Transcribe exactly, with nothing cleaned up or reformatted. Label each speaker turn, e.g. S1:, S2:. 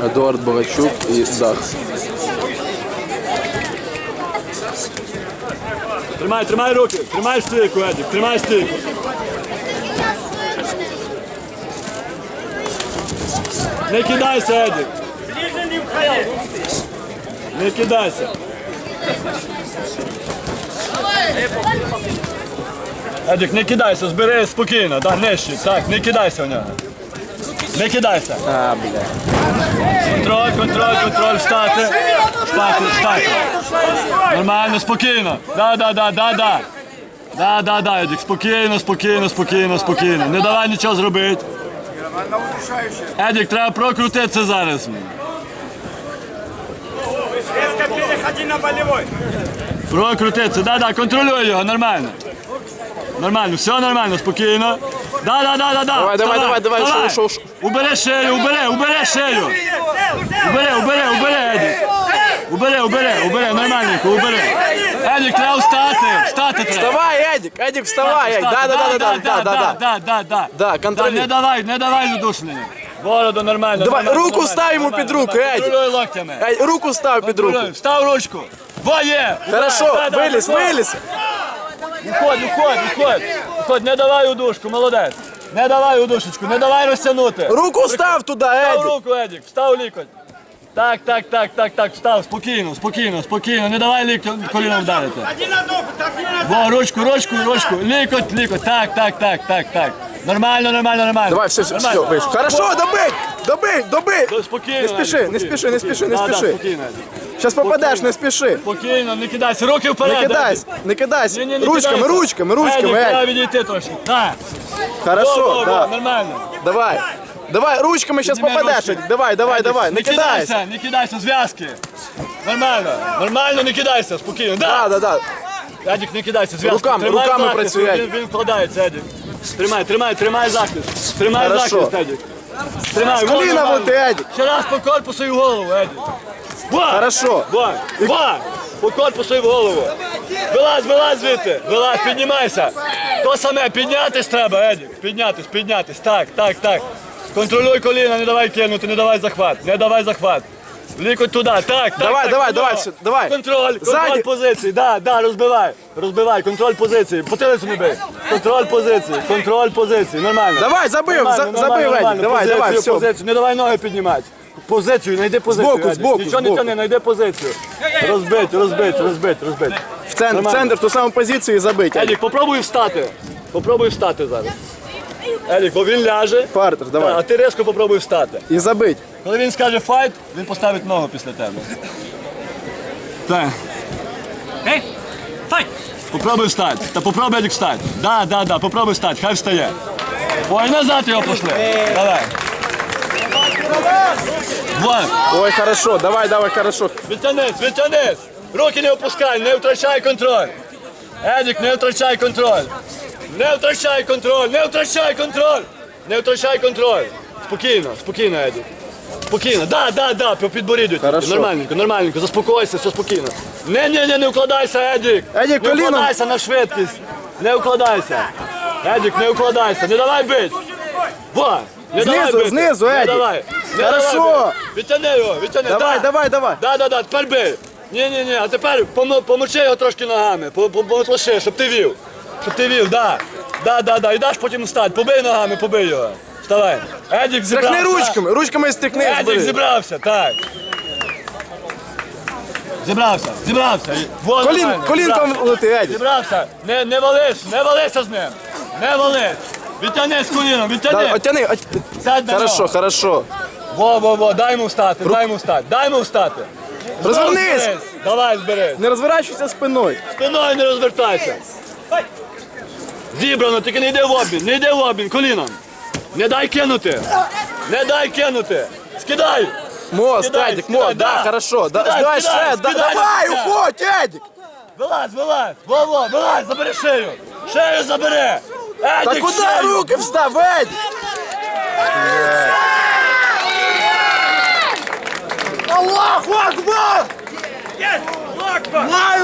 S1: Едуард Богачук і Дах.
S2: Тримай, тримай руки, тримай стійку, Едік, тримай стійку. Не кидайся, Едік. Не кидайся. Едік, не кидайся, збери спокійно, да, нижче, так, не кидайся в нього. Не кидайся.
S1: А, бля.
S2: Контроль, контроль, контроль, встати. Встати, встати. Нормально, спокійно. Да, да, да, да, да. Да, да, да, Едік, спокійно, спокійно, спокійно, спокійно. Не давай нічого зробити. Едік, треба прокрутитися зараз.
S3: Резко переходи на болевой.
S2: Прокрутитися, да, да, контролюй його, нормально. Нормально, все нормально, спокійно. Да, да, да, да, да.
S1: Давай, давай, давай, давай, шоу, шоу, шоу.
S2: Убери шею, убери, убери шею. Убери, убери, убери, Едік. Убери, убери, убери, нормальненько, убери. Едік, треба встати, встати треба.
S1: Вставай, Едік, Едік, вставай, Едік. Да, да, да, да, да, да, да.
S2: Да, да, да.
S1: Да, контролюй.
S2: Не давай, не давай задушення. Бороду нормально.
S1: Давай,
S2: нормально,
S1: руку
S2: нормально,
S1: став йому
S2: нормально,
S1: під руку,
S2: нормально.
S1: Едік.
S2: Контролюй локтями.
S1: Ей, руку став під руку.
S2: Контролюй, встав ручку. Во, є.
S1: Хорошо,
S2: Да, да,
S1: виліз,
S2: виходь.
S1: виліз.
S2: Виходь, виходь, виходь. Виходь, не давай удушку, молодець. Не давай удушечку, не давай розтягнути.
S1: Руку став туди,
S2: Встав
S1: Едік.
S2: руку, Едік, встав лікоть. Так, так, так, так, так, встав, спокійно, спокійно, спокійно, не давай ліктем коліном вдарити.
S3: Один на ногу, так не на
S2: Во, ручку, ручку, ручку, лікоть, лікоть, так, так, так, так, так. Нормально, нормально, нормально.
S1: Давай, все, все, все,
S2: Нормально.
S1: вийшов. Хорошо, добий, добий, добий.
S2: То Спокійно,
S1: Не спіши,
S2: Едік,
S1: не спіши, не спіши, не
S2: Да, да,
S1: спіши.
S2: спокійно, Едік.
S1: Зараз попадеш, не спіши.
S2: Спокійно, не кидайся, руки вперед.
S1: Не кидайся,
S2: Едік.
S1: не кидайся.
S2: Ні, ні, не
S1: Ручками,
S2: кидайся.
S1: ручками, ручками,
S2: Едік, треба
S1: Едік.
S2: відійти трошки. Так. Во, во,
S1: Хорошо,
S2: во,
S1: да.
S2: нормально.
S1: Давай. Давай, ручками зараз
S2: Піднімай
S1: попадеш,
S2: ручки.
S1: Едік. Давай, давай,
S2: Едік,
S1: давай, не кидайся.
S2: Не кидайся, зв'язки. Нормально, нормально, не кидайся, спокійно.
S1: Да, да, да.
S2: Едік, не кидайся, зв'язки.
S1: Руками,
S2: Тримай
S1: руками
S2: захист,
S1: працюй,
S2: Він,
S1: Едік.
S2: він вкладається, Едік. Тримай, тримай, тримай захист. Тримай
S1: Хорошо.
S2: захист, Едік. Тримай,
S1: З
S2: во,
S1: коліна
S2: нормально.
S1: влети, Едік.
S2: Ще раз по корпусу і в голову, Едік. Во,
S1: Хорошо.
S2: во, во, по корпусу і в голову. Вилазь, вилазь звідти, вилазь, піднімайся. То саме, піднятись треба, Едік. Піднятись, піднятись, так, так, так. Контролюй коліна, не давай кинути, не давай захват, не давай захват. Лікоть туди, так, так.
S1: Давай,
S2: так,
S1: давай,
S2: туди.
S1: давай, все, давай.
S2: Контроль, контроль
S1: Ззаді.
S2: позиції, да, да, розбивай, розбивай, контроль позиції, потилицю не бий. Контроль позиції, контроль позиції, нормально.
S1: Давай, забив,
S2: Нормально,
S1: за-
S2: нормально,
S1: забив,
S2: нормально.
S1: Едік, давай,
S2: Позицію,
S1: давай, все.
S2: позицію, не давай ноги піднімати. Позицію, знайди позицію.
S1: Збоку,
S2: Едік.
S1: збоку,
S2: Нічого не
S1: збоку.
S2: тяни, знайди позицію. Розбить, розбить, розбить, розбить.
S1: В центр, в
S2: Нормально.
S1: центр, в ту саму позицію і забить. Едік.
S2: Едік, попробуй встати. Попробуй встати зараз. Едік, бо він ляже,
S1: Партер,
S2: а
S1: давай.
S2: ти різко попробуй встати.
S1: І забить.
S2: Коли він скаже файт, він поставить ногу після тебе. Так. Ей, файт! Попробуй встати. Та попробуй, Едік, встати. Да, да, да, попробуй встати, хай встає. Ой, назад його пошли. Давай. Вот.
S1: Ой, хорошо, давай, давай, хорошо.
S2: Відтянись, відтянись. Руки не опускай, не втрачай контроль. Едік, не втрачай контроль. Не втрачай контроль, не втрачай контроль. Не втрачай контроль. Спокійно, спокійно, Едік. Спокійно, да, да, да, по підборіддю тільки.
S1: Хорошо.
S2: Нормальненько, нормальненько, заспокойся, все спокійно. Не, не, не, не вкладайся, Едік.
S1: Едік,
S2: не
S1: коліном.
S2: вкладайся на швидкість. Не вкладайся. Едік, не вкладайся, не давай бить. Во, не
S1: Знизу,
S2: давай бити.
S1: знизу,
S2: Не
S1: Едік.
S2: давай. Не
S1: Хорошо.
S2: давай бити. Відтяни його, відтяни.
S1: Давай,
S2: да.
S1: давай, давай.
S2: Да, да, да, тепер бий. Ні, ні, ні, а тепер помо- помочи його трошки ногами, по- по- помотлоши, щоб ти вів. Щоб ти вів, да. Да, да, да. І даш потім встать. Побий ногами, побий його. Вставай. Едік зібрався.
S1: Стряхни ручками, ручками стряхни.
S2: Едік
S1: збери.
S2: зібрався, так. Зібрався, зібрався. Во,
S1: Колін,
S2: нормально,
S1: колінком
S2: зібрався.
S1: лети, Едік.
S2: Зібрався. Не, не вались, не валися з ним. Не вались. Відтяни з коліном, відтяни.
S1: Да, оттяни, от...
S2: Сядь на
S1: Хорошо,
S2: нього.
S1: хорошо.
S2: Во, во, во, дай йому встати, дай йому встати, дай йому встати.
S1: Розвернись.
S2: Зберись. Давай, зберись.
S1: Не розворачуйся спиною.
S2: Спиною не розвертайся. Зібрано, тільки не йди в обмін, не йди в обмін, коліном. Не дай кинути. Не дай кинути. Скидай.
S1: Мост,
S2: Скидай,
S1: Едік,
S2: скидай,
S1: мост, да,
S2: да.
S1: хорошо. Да,
S2: Скидай,
S1: давай
S2: скидай,
S1: ще, да,
S2: скидай,
S1: давай,
S2: скидай.
S1: уходь, Едік.
S2: Вилазь, вилазь. Во, во, вилазь, забери шею. Шею забери.
S1: Та
S2: Едік,
S1: куди
S2: шею.
S1: руки встав, Едік? Аллаху Акбар!
S3: Есть! Локба!